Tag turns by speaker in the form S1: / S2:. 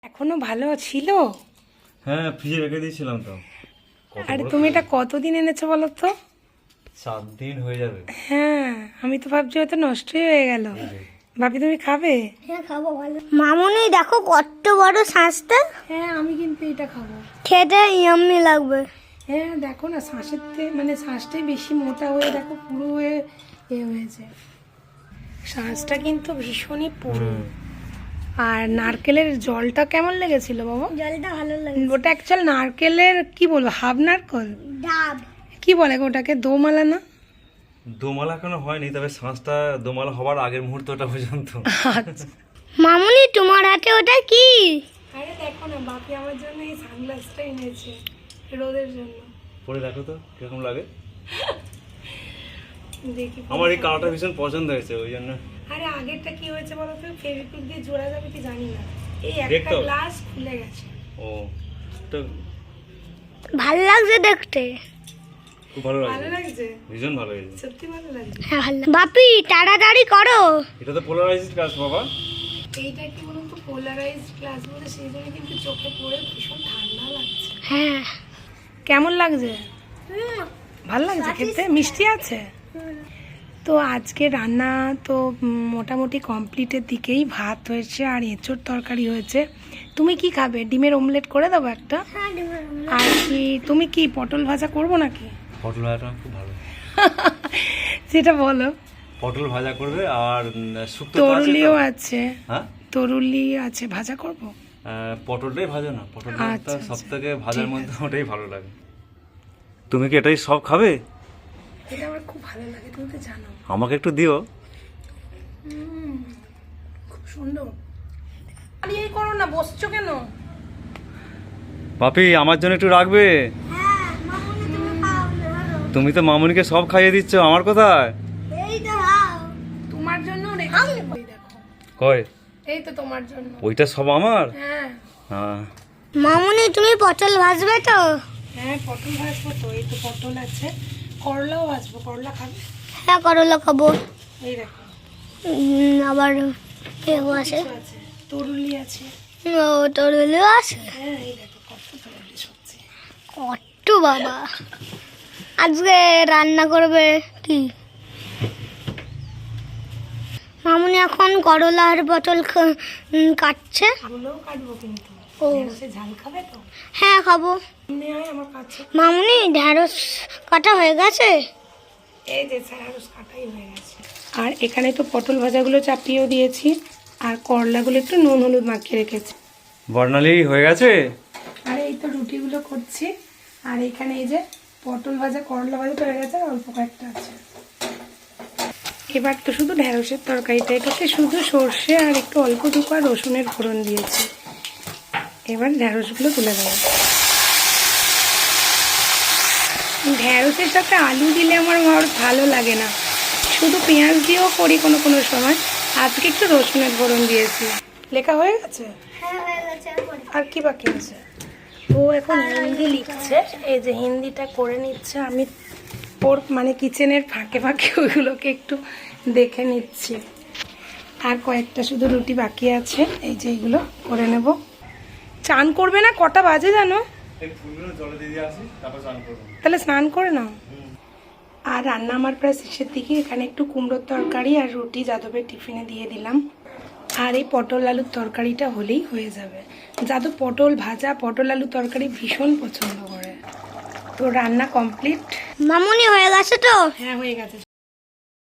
S1: এখনো ভালো ছিল?
S2: হ্যাঁ, ফ্রিজে রেখে দিয়েছিলাম তো।
S1: আরে তুমি এটা কতদিন এনেছো বলো তো?
S2: 7 দিন হয়ে যাবে।
S1: হ্যাঁ, আমি তো ভাবছি হয়তো নষ্টই হয়ে গেল। ভাবি তুমি খাবে?
S3: হ্যাঁ খাবো। ভালো মামুনি দেখো কত বড় শাঁসটা।
S1: হ্যাঁ, আমি কিন্তু এটা খাবো।
S3: খেতে ইয়াম্মি লাগবে।
S1: হ্যাঁ দেখো না, শাঁসের মানে শাঁসটাই বেশি মোটা হয়ে দেখো পুরো হয়ে হয়েছে। শাঁসটা কিন্তু ভীষণই পুরো। আর নারকেলের জলটা কেমন লেগেছিল বাবা?
S3: জলটা ভালো লাগে।
S1: ওটা অ্যাকচুয়াল নারকেলের কি বলবো, হাফ নারকেল
S3: ডাব
S1: কি বলে গো ওটাকে, দোমালা না?
S2: দোমালা এখনো হয়নি, তবে শ্বাসটা দোমালা হবার আগের মুহূর্তটা পর্যন্ত।
S1: আচ্ছা।
S3: মামুনি তোমার হাতে ওটা কি?
S1: আরে দেখো না, বাপি আমার জন্য এই সানগ্লাসটা এনেছে রোদের জন্য।
S2: পরে দেখো তো কিরকম লাগে।
S1: দেখি
S2: আমার এই কালারটা ভীষণ পছন্দ হয়েছে, ওই জন্য।
S1: আরে আগেরটা কি হয়েছে বলো তো, ফেভিকুইক দিয়ে জোড়া যাবে কি জানি না, এই একটা
S2: দেখতো?
S1: গ্লাস খুলে গেছে।
S2: ও, তো
S3: ভালো লাগছে দেখতে।
S2: খুব ভালো
S1: ভালো
S2: লাগছে,
S1: লাগছে,
S2: ভীষণ ভালো লাগছে।
S1: সত্যি ভালো লাগছে।
S3: হ্যাঁ ভালো। বাপি তাড়াতাড়ি করো।
S2: এটা তো পোলারাইজড গ্লাস বাবা।
S1: এইটা কি বলুন তো, পোলারাইজড গ্লাস বলে সেই জন্য কিন্তু চোখে পড়ে ভীষণ ঠান্ডা লাগছে।
S3: হ্যাঁ
S1: কেমন লাগছে? ভালো লাগছে খেতে, মিষ্টি আছে। তো আজকে রান্না তো মোটামুটি কমপ্লিটের দিকেই। ভাত হয়েছে আর এঁচোড় তরকারি হয়েছে। তুমি কি খাবে? ডিমের অমলেট করে দেবো একটা। আর কি তুমি কি পটল ভাজা করবো নাকি?
S2: পটল ভাজাটা খুব ভালো।
S1: সেটা বলো।
S2: পটল ভাজা করবে আর শুক্তো তো আছে
S1: তরুলিও
S2: তো?
S1: আছে।
S2: হ্যাঁ,
S1: তরুলি আছে, ভাজা করবো।
S2: পটলটাই ভাজো না, পটলটা
S1: আচ্ছা,
S2: সব
S1: আচ্ছা,
S2: থেকে ভাজার
S1: ঠিক
S2: মধ্যে ওটাই ভালো লাগে। তুমি কি এটাই সব খাবে?
S1: এটা আমার খুব ভালো লাগে, তুমি তো জানো।
S2: আমাকে একটু দিও।
S1: খুব সুন্দর। আরে এই করো না, বসছো কেন?
S2: পাপি, আমার জন্য একটু রাখবে?
S3: হ্যাঁ মামুনি তুমি খাও না।
S2: তুমি তো মামুনিকে সব খাইয়ে দিচ্ছ, আমার কোথায়?
S3: এই তো খাও।
S1: তোমার জন্য রেখেছি, ওই দেখো।
S2: কই?
S1: এই তো তোমার জন্য।
S2: ওইটা সব আমার?
S1: হ্যাঁ
S2: হ্যাঁ।
S3: মামুনি তুমি পটল ভাজবে তো?
S1: হ্যাঁ, পটল ভাজবো তো। এই তো পটল আছে, করলাও ভাজবো। করলা খাবে?
S3: হ্যাঁ করলা খাবো।
S1: এই দেখো
S3: আবার কেউ আছে।
S1: কিছু আছে, তরুলি আছে।
S3: ও তরুলি আছে।
S1: হ্যাঁ এই দেখো কত তরুলি সবজি।
S3: কত বাবা। আজকে রান্না করবে কি? মামুনি এখন করলা আর পটল কাটছে।
S1: এগুলোও কাটবো কিন্তু।
S3: ও।
S1: ঢেঁড়সে ঝাল খাবে তো?
S3: হ্যাঁ খাবো।
S1: এমনি হয় আমার কাছে।
S3: মামুনি ঢেঁড়স কাটা হয়ে গেছে?
S1: এই যে ঢেঁড়স কাটাই হয়ে গেছে। আর এখানে তো পটল ভাজাগুলো চাপিয়েও দিয়েছি, আর করলাগুলো একটু নুন হলুদ মাখিয়ে রেখেছি।
S2: বর্ণালী হয়ে গেছে?
S1: আর এই তো রুটিগুলো করছি। আর এখানে এই যে পটল ভাজা, করলা ভাজা তো হয়ে গেছে, আর অল্প কয়েকটা আছে। এবার তো শুধু ঢেঁড়সের তরকারিটা, এটাতে শুধু সর্ষে আর একটু অল্প টুকু আর রসুনের ফোড়ন দিয়েছি। এবার ঢেঁড়সগুলো তুলে দেবো। ঢেঁড়সের সাথে আলু দিলে আমার ভালো লাগে না, শুধু পেঁয়াজ দিয়েও করি কোনো কোনো সময়। আজকে একটু রসুনের ফোড়ন দিয়েছি। লেখা হয়ে গেছে?
S3: হ্যাঁ হয়ে গেছে।
S1: আর কি বাকি আছে? ও এখন হিন্দি লিখছে, এই যে হিন্দিটা করে নিচ্ছে। আমি ওর মানে কিচেনের ফাঁকে ফাঁকে ওইগুলোকে একটু দেখে নিচ্ছি। আর কয়েকটা শুধু রুটি বাকি আছে, এই যে এইগুলো করে নেব। চান করবে না? কটা বাজে জানো? তাহলে স্নান করে নাও। আর রান্না আমার প্রায় শেষের দিকে। এখানে একটু কুমড়োর তরকারি আর রুটি যাদবের টিফিনে দিয়ে দিলাম। আর এই পটল আলুর তরকারিটা হলেই হয়ে যাবে। যাদব পটল ভাজা, পটল আলু তরকারি ভীষণ পছন্দ করে। তো রান্না কমপ্লিট।
S3: মামুনি হয়ে গেছে তো?
S1: হ্যাঁ হয়ে গেছে।